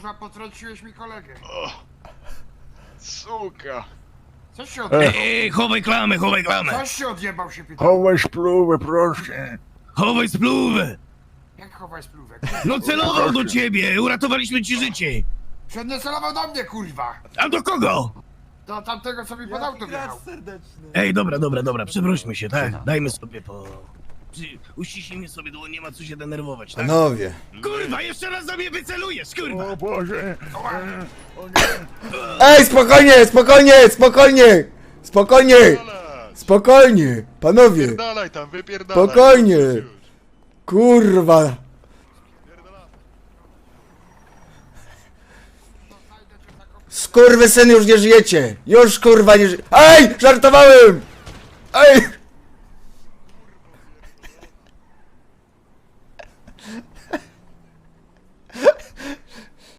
kurwa, potrąciłeś mi kolegę. Suka. Coś się odjebał? Chowaj klamę, chowaj klamę! Coś się odjebał się pytam. Chowaj spluwę, proszę. Chowaj spluwę! Jak chowaj spluwek? No celował do ciebie, uratowaliśmy ci życie! Przed nie celował do mnie, kurwa! A do kogo? Do tamtego, co mi pod auto wjechał. Ej, dobra, przeprośmy się, tak? Dajmy sobie po... Uściśnijmy sobie dłoń, nie ma co się denerwować, tak? Panowie. Kurwa, jeszcze raz za mnie wycelujesz, kurwa! O Boże. Ej, spokojnie, spokojnie, spokojnie! Spokojnie! Spokojnie, panowie! Wypierdalaj tam, wypierdalaj. Spokojnie. Już. Kurwa! Skurwysyn, już nie żyjecie! Już kurwa nie żyjecie! Ej! Żartowałem! Ej!